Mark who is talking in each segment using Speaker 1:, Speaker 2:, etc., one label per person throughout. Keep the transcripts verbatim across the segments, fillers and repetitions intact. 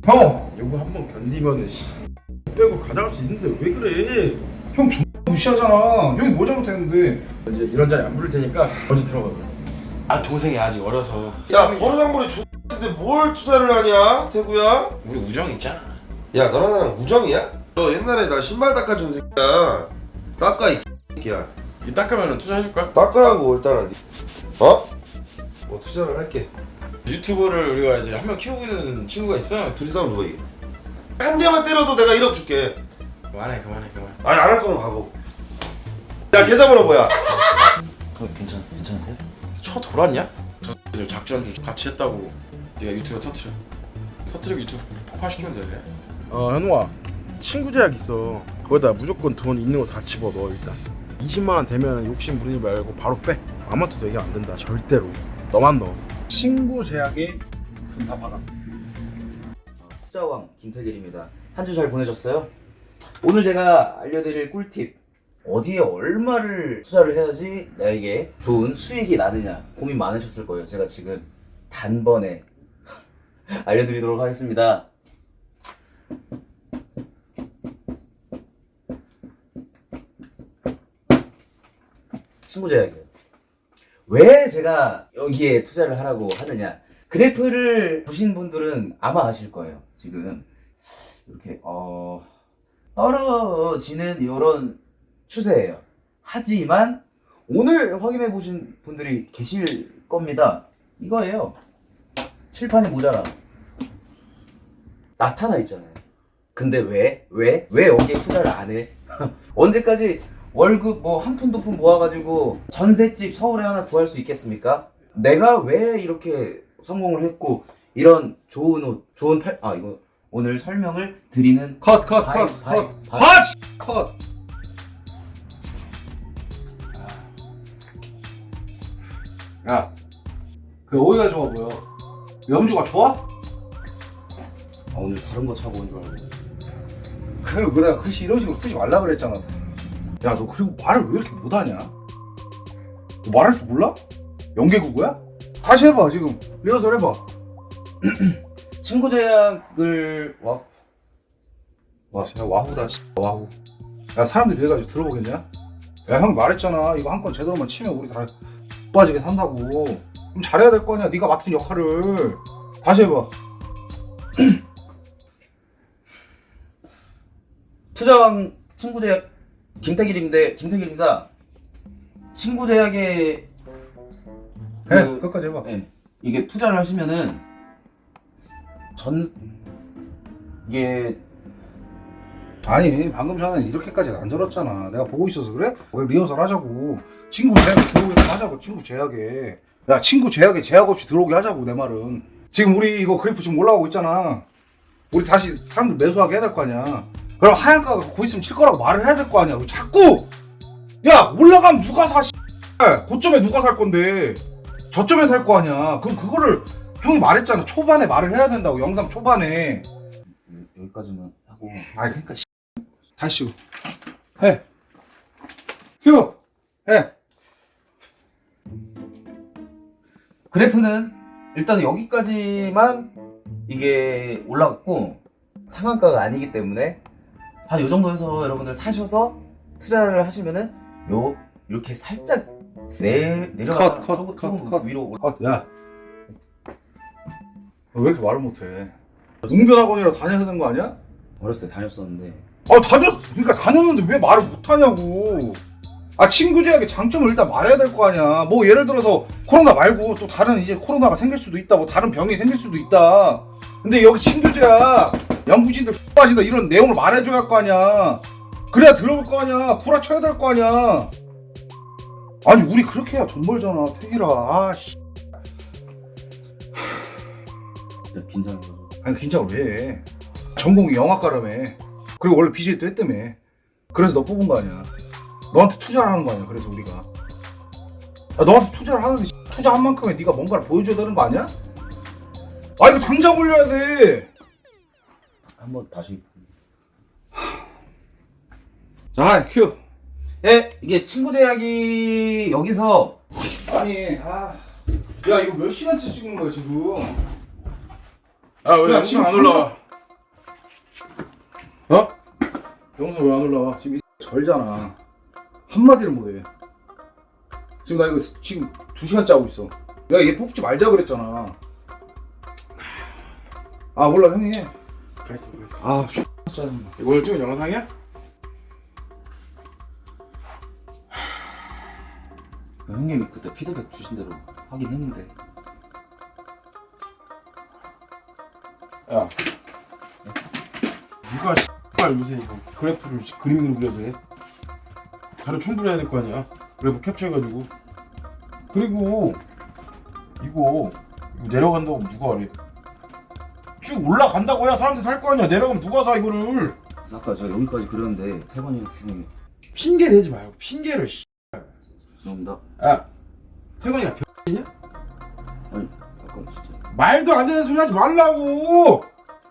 Speaker 1: 형!
Speaker 2: 이거 한 번 견디면은 씨 빼고 가져갈 수 있는데 왜 그래?
Speaker 1: 형 X 무시하잖아. 형이 뭐 잘못했는데.
Speaker 2: 이제 이런 자리 안 부를 테니까 먼저 들어가. 아 동생이 아직 어려서.
Speaker 3: 야 버르장머리 X인데 뭘 투자를 하냐 태구야?
Speaker 2: 우리 우정 있잖아.
Speaker 3: 야 너랑 나랑 우정이야? 너 옛날에 나 신발 닦아준 새끼야. 닦아 이 새끼야.
Speaker 2: 이 닦으면 투자해줄 거야?
Speaker 3: 닦으라고 일단은. 어? 뭐 투자를 할게.
Speaker 2: 유튜브를 우리가 이제 한 명 키우고 있는 친구가 있어.
Speaker 3: 둘이 싸우면 누가 이겨? 한 대만 때려도 내가 일억 줄게.
Speaker 2: 그만해 그만해 그만.
Speaker 3: 아니 안 할 거면 가고. 야 계좌번호 뭐야?
Speaker 4: 그럼 괜찮 괜찮으세요?
Speaker 2: 쳐 돌았냐? 저 이제 작전주 같이 했다고 네가 유튜브 터트려. 터트리고 유튜브 폭파시키면 되네. 어 현우아 친구 제약 있어. 거기다 무조건 돈 있는 거 다 집어넣어 일단. 이십만 원 되면 욕심 부리지 말고 바로 빼. 아무한테도 얘기 안 된다 절대로. 너만 넣어.
Speaker 1: 친구 제약에 돈 다 박아.
Speaker 4: 투자왕 김태길입니다. 한 주 잘 보내셨어요? 오늘 제가 알려드릴 꿀팁, 어디에 얼마를 투자를 해야지 나에게 좋은 수익이 나느냐 고민 많으셨을 거예요. 제가 지금 단번에 알려드리도록 하겠습니다. 친구 제약이에요. 왜 제가 여기에 투자를 하라고 하느냐, 그래프를 보신 분들은 아마 아실 거예요. 지금 이렇게 어 떨어지는 이런 추세예요. 하지만 오늘 확인해 보신 분들이 계실 겁니다. 이거예요. 칠판이 모자라 나타나 있잖아요. 근데 왜? 왜? 왜 여기에 투자를 안 해? 언제까지 월급 뭐 한 푼 두 푼 모아가지고 전셋집 서울에 하나 구할 수 있겠습니까? 내가 왜 이렇게 성공을 했고 이런 좋은 옷, 좋은 팔, 아 이거 오늘 설명을 드리는
Speaker 1: 컷, 컷,
Speaker 4: 바이,
Speaker 1: 컷,
Speaker 4: 바이,
Speaker 1: 컷,
Speaker 4: 바이.
Speaker 1: 컷! 컷! 야, 그 어디가 좋아 보여? 염주가 좋아?
Speaker 4: 아, 오늘 다른 거 차고 온 줄 알고.
Speaker 1: 그리고 그 내가 글씨 이런 식으로 쓰지 말라 그랬잖아. 야, 너 그리고 말을 왜 이렇게 못하냐? 너 말할 줄 몰라? 연계국어야? 다시 해봐, 지금. 리허설 해봐.
Speaker 4: 친구 제약을 와
Speaker 1: 와, 진짜 와후다, 씨. 와후. 야, 사람들이 이래가지고 들어보겠냐? 야, 형 말했잖아. 이거 한 건 제대로만 치면 우리 다 빠지게 산다고. 그럼 잘해야 될 거 아니야, 네가 맡은 역할을. 다시 해봐.
Speaker 4: 투자왕 친구 제약 김태길인데 김태길입니다. 친구 제약에
Speaker 1: 해,
Speaker 4: 그-
Speaker 1: 끝까지 해봐.
Speaker 4: 네, 이게 투자를 하시면은 전 이게
Speaker 1: 아니, 방금 전에 이렇게까지는 안 저렀잖아. 내가 보고 있어서 그래? 왜 리허설 하자고. 친구 제약에 들어오게 하자고, 친구 제약에. 야, 친구 제약에 제약 없이 들어오게 하자고, 내 말은. 지금 우리 이거 그래프 지금 올라가고 있잖아. 우리 다시 사람들 매수하게 해야 될 거 아니야. 그럼 하얀가가 곧 있으면 칠 거라고 말을 해야 될 거 아니야. 왜 자꾸! 야, 올라가면 누가 사, 씨. 고점에 누가 살 건데. 저점에 살 거 아니야. 그럼 그거를 형이 말했잖아. 초반에 말을 해야 된다고, 영상 초반에.
Speaker 4: 여기까지만 하고.
Speaker 1: 아이, 그러니까 씨. 다시 해. 큐. 해.
Speaker 4: 그래프는 일단 여기까지만 이게 올라갔고 상한가가 아니기 때문에 한 요 정도 해서 여러분들 사셔서 투자를 하시면은 요 이렇게 살짝 내 내려가
Speaker 1: 컷, 컷,
Speaker 4: 조금,
Speaker 1: 컷,
Speaker 4: 조금
Speaker 1: 컷.
Speaker 4: 위로 올라-
Speaker 1: 아, 야. 너 왜 이렇게 말을 못해? 웅변학원이라 다녀야 되는 거 아니야?
Speaker 4: 어렸을 때 다녔었는데
Speaker 1: 아, 다녔, 그러니까 다녔는데 왜 말을 못하냐고. 아, 친구 제약의 장점을 일단 말해야 될 거 아니야. 뭐 예를 들어서 코로나 말고 또 다른 이제 코로나가 생길 수도 있다, 뭐 다른 병이 생길 수도 있다. 근데 여기 친구 제약 연구진들 빠진다 이런 내용을 말해줘야 할 거 아니야. 그래야 들어볼 거 아니야. 구라쳐야 될 거 아니야. 아니, 우리 그렇게 해야 돈 벌잖아, 태기라. 아, 씨.
Speaker 4: 진짜 긴장해서
Speaker 1: 아니, 긴장을 왜 해? 전공이 영화과라며. 그리고 원래 비제이도 했다며. 그래서 너 뽑은 거 아니야. 너한테 투자를 하는 거 아니야. 그래서 우리가. 야, 너한테 투자를 하는데 투자한 만큼의 네가 뭔가를 보여줘야 되는 거 아니야? 아, 이거 당장 올려야 돼.
Speaker 4: 한번 다시.
Speaker 1: 자, 큐.
Speaker 4: 예, 이게 친구 제약이 여기서
Speaker 1: 아니, 아, 야, 이거 몇 시간째 찍는 거야 지금?
Speaker 2: 아왜
Speaker 1: 야,
Speaker 2: 영상
Speaker 1: 지금
Speaker 2: 안 올라와? 어? 영상 왜 안 올라와?
Speaker 1: 지금 이 절잖아. 한마디를 못해. 지금 나 이거 스- 지금 두 시간째 하고 있어. 내가 얘 뽑지 말자 그랬잖아. 아 몰라 형이 해.
Speaker 2: 가있어 가있어.
Speaker 1: 아 짜증나.
Speaker 2: 이거 오늘 찍은 영상이야?
Speaker 4: 형님이 그때 피드백 주신 대로 하긴 했는데.
Speaker 2: 야 누가 씨발 요새 이거 그래프를 씨- 그림으로 그려서 해? 자료 첨부해야 될 거 아니야? 그래프 캡처해가지고. 그리고 이거 이거 내려간다고 누가 하래? 쭉 올라간다고 해야 사람들이 살 거 아니야. 내려가면 누가 사 이거를?
Speaker 4: 아까 제가 여기까지 그렸는데 태관이 형님이
Speaker 2: 핑계 대지 말고 핑계를 씨.
Speaker 4: 죄송합니다.
Speaker 2: 야 태건이가 병이냐?
Speaker 4: 아니 아까 진짜
Speaker 2: 말도 안 되는 소리 하지 말라고.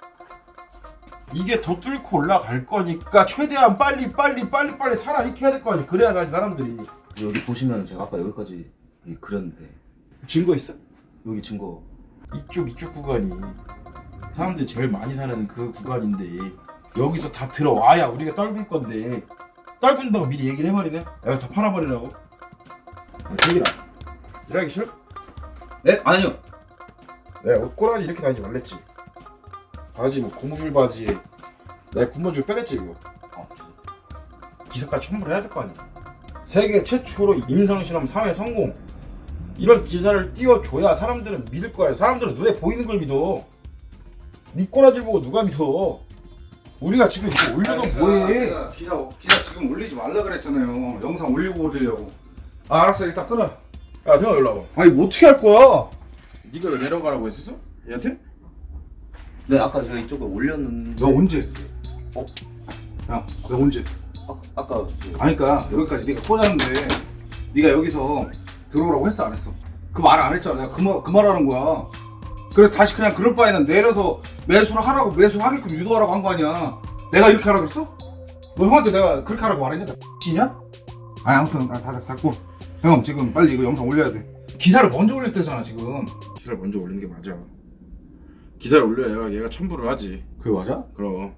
Speaker 2: 이게 더 뚫고 올라갈 거니까 최대한 빨리 빨리 빨리 빨리 살아 이렇게 해야 될 거 아니야. 그래야 사실 사람들이.
Speaker 4: 여기 보시면 제가 아까 여기까지 그렸는데
Speaker 2: 증거 있어?
Speaker 4: 여기 증거.
Speaker 2: 이쪽 이쪽 구간이 사람들이 제일 많이 사는 그 구간인데 여기서 다 들어와야 우리가 떨굴 건데 떨군다고 미리 얘기를 해버리네. 여기 다 팔아버리라고. 저기라 일하기 싫어?
Speaker 4: 네? 아니요.
Speaker 2: 내가 옷 꼬라지 이렇게 다니지 말랬지. 바지 뭐 고무줄 바지에 내가 군무줄 빼랬지 이거.
Speaker 4: 어.
Speaker 2: 기사까지 첨부를 해야 될 거 아니야. 세계 최초로 임상실험 사회 성공. 이런 기사를 띄워줘야 사람들은 믿을 거야. 사람들은 눈에 보이는 걸 믿어. 네 꼬라지 보고 누가 믿어. 우리가 지금 이거 올려놓으면 뭐해.
Speaker 1: 내가 기사 기사 지금 올리지 말라 그랬잖아요. 영상 올리고 올리려고. 아 알았어 일단 끊어.
Speaker 2: 야 태아 일로 와봐.
Speaker 1: 아니 뭐 어떻게 할 거야?
Speaker 2: 네가 왜 내려가라고 했었어? 얘한테?
Speaker 4: 네 아까 제가 이쪽에 올렸는데.
Speaker 1: 너 언제? 어? 야, 너 언제?
Speaker 4: 아, 아까 그
Speaker 1: 아니 그니까 여기까지 네가 꽂았는데 네가 여기서 들어오라고 했어 안 했어? 그 말 안 했잖아. 내가 그 말 그 말하는 거야. 그래서 다시 그냥 그럴 바에는 내려서 매수를 하라고 매수하게끔 유도하라고 한 거 아니야. 내가 이렇게 하라고 그랬어? 너 형한테 내가 그렇게 하라고 말했냐? 나 X냐? 아니 아무튼 아, 다 닫고 형 지금 빨리 이거 영상 올려야 돼. 기사를 먼저 올릴 때잖아 지금.
Speaker 2: 기사를 먼저 올리는 게 맞아. 기사를 올려야 얘가, 얘가 첨부를 하지.
Speaker 1: 그게 맞아?
Speaker 2: 그럼.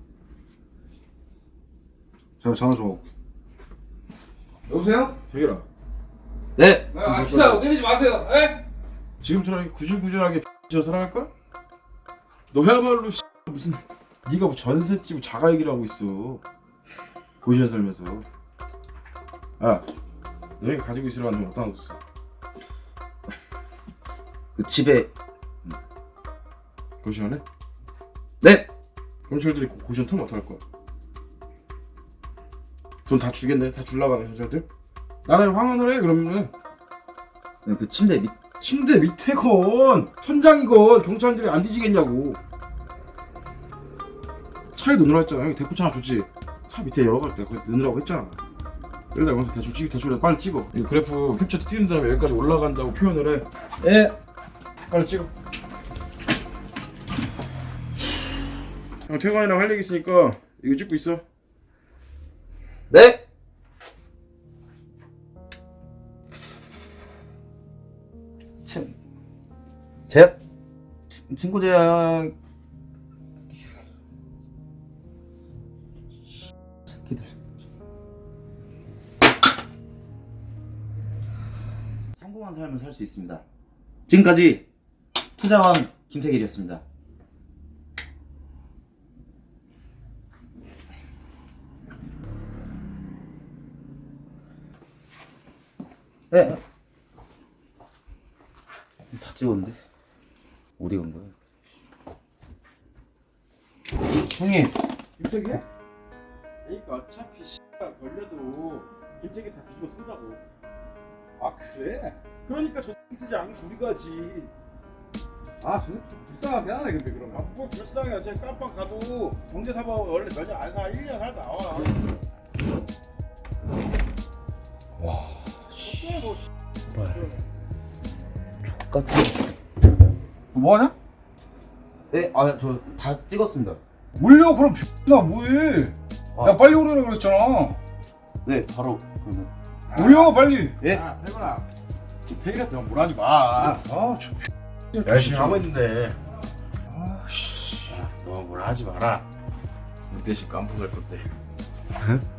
Speaker 1: 제가 전화 좀 올게. 여보세요?
Speaker 2: 태길아
Speaker 4: 네.
Speaker 1: 아, 기사 내리지 마세요. 에?
Speaker 2: 지금처럼 이렇게 구질구질하게 저 살아갈 거야? 너야말로 씨, 무슨 네가 뭐 전셋집 자가 얘기를 하고 있어. 고시원 살면서. 야, 너희 가지고 있으라는 돈 어디다 놨어?
Speaker 4: 그 집에.
Speaker 2: 고시원에?
Speaker 4: 네.
Speaker 2: 경찰들이 고- 고시원 털면 어떡할 거야? 돈 다 주겠네? 다 줄라고 하네 경찰들? 나라에 황혼을 해 그러면은.
Speaker 4: 네, 그 침대 밑.
Speaker 2: 침대 밑에건 천장이건 경찰들이 안 뒤지겠냐고. 차에 넣으라고 했잖아. 형이 대포차 하나 줬지. 차 밑에 열어갈 때 거기 넣으라고 했잖아. 일단 영상 대충 찍 대충 빨리 찍어. 이거 그래프 캡처 띄운 다음에 여기까지 올라간다고 표현을 해. 예. 빨리 찍어. 형 태관이랑 할 얘기 있으니까 이거 찍고 있어.
Speaker 4: 네. 친. 제약. 친- 친구 제약. 새끼들. 성공한 삶을 살 수 있습니다. 지금까지 투자왕 김태길이었습니다. 네. 다 찍었는데 어디 간 거야? 형님.
Speaker 2: 김태기? 그러니까 어차피 씨발 걸려도 김태기 다 뒤집어 쓴다고.
Speaker 1: 아 그래?
Speaker 2: 그러니까 저 새끼 쓰지 않고 우리가 하지.
Speaker 1: 아 저 새끼 좀 불쌍하게 하네 근데 그러면.
Speaker 2: 아, 뭐 불쌍해. 어차피 깜빡 가도 경제사범 원래 몇 년 안 사. 일 년 살다 나와.
Speaker 1: 와.
Speaker 4: 같은.
Speaker 1: 뭐 하냐?
Speaker 4: 네, 아 저 다 찍었습니다.
Speaker 1: 올려 그럼 나 뭐해?
Speaker 4: 아.
Speaker 1: 야 빨리 오려고 그랬잖아.
Speaker 4: 네, 바로 그러면.
Speaker 1: 올려 빨리.
Speaker 4: 예?
Speaker 2: 야, 태근아. 태기한테 너무 뭐라 하지 마.
Speaker 1: 아저
Speaker 2: 열심히 하고 있는데.
Speaker 1: 아씨.
Speaker 2: 야, 너 뭐라 하지 마라. 우리 대신 깜빡할 건데.